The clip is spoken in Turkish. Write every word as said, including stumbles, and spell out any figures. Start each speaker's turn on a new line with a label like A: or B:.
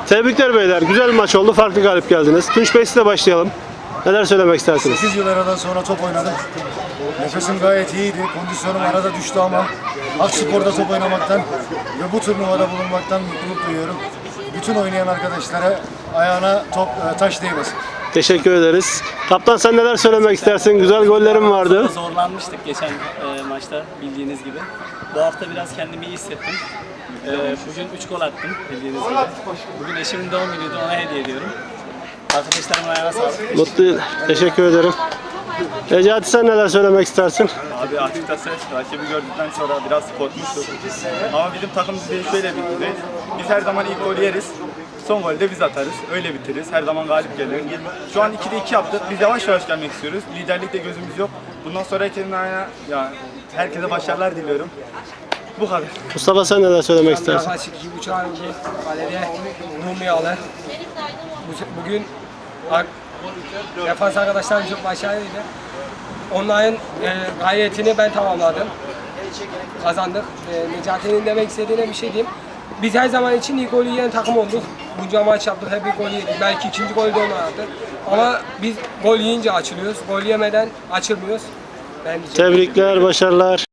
A: Tebrikler beyler. Güzel bir maç oldu. Farklı galip geldiniz. Tunç Bey size başlayalım. Neler söylemek istersiniz?
B: sekiz yıl aradan sonra top oynadım. Nefesim gayet iyiydi. Kondisyonum arada düştü ama Akspor'da top oynamaktan ve bu turnuvada bulunmaktan mutluluk duyuyorum. Bütün oynayan arkadaşlara ayağına top taş değmesin.
A: Teşekkür ederiz. Kaptan sen neler söylemek istersin? Güzel gollerim vardı.
C: Zorlanmıştık geçen e, maçta bildiğiniz gibi. Bu hafta biraz kendimi iyi hissettim. E, bugün üç gol attım bildiğiniz gibi. Bugün eşimin doğum günüydü, ona hediye ediyorum. Arkadaşlarımın ayağına sağlık.
A: Mutlu. Teşekkür ederim. Necati sen neler söylemek istersin?
D: Abi açıkçası rakibi gördükten sonra biraz korkmuştuk. Ama bizim takım düzeyi şöyle bir düzey. Biz her zaman ilk golü yeriz. Son golü de biz atarız. Öyle bitiririz. Her zaman galip gelir. Şu an ikide iki yaptık. Biz yavaş yavaş gelmek istiyoruz. Liderlikte gözümüz yok. Bundan sonra herkesin ayağına, ya herkese başarılar diliyorum. Bu kadar.
A: Mustafa sen neler söylemek istersin?
E: Yaklaşık iki buçuk ay oldu. Kalede Rumiyalı. Bugün defans arkadaşlarım çok başarılıydı. Onların e, gayretini ben tamamladım. Kazandık. E, Necati'nin demek istediğine bir şey diyeyim. Biz her zaman için ilk golü yiyen takım olduk. Bunca maç yaptık, hep bir gol yedik. Belki ikinci golü de onlar attı. Ama biz gol yiyince açılıyoruz. Gol yemeden açılmıyoruz. Ben diyeceğim.
A: Tebrikler, başarılar.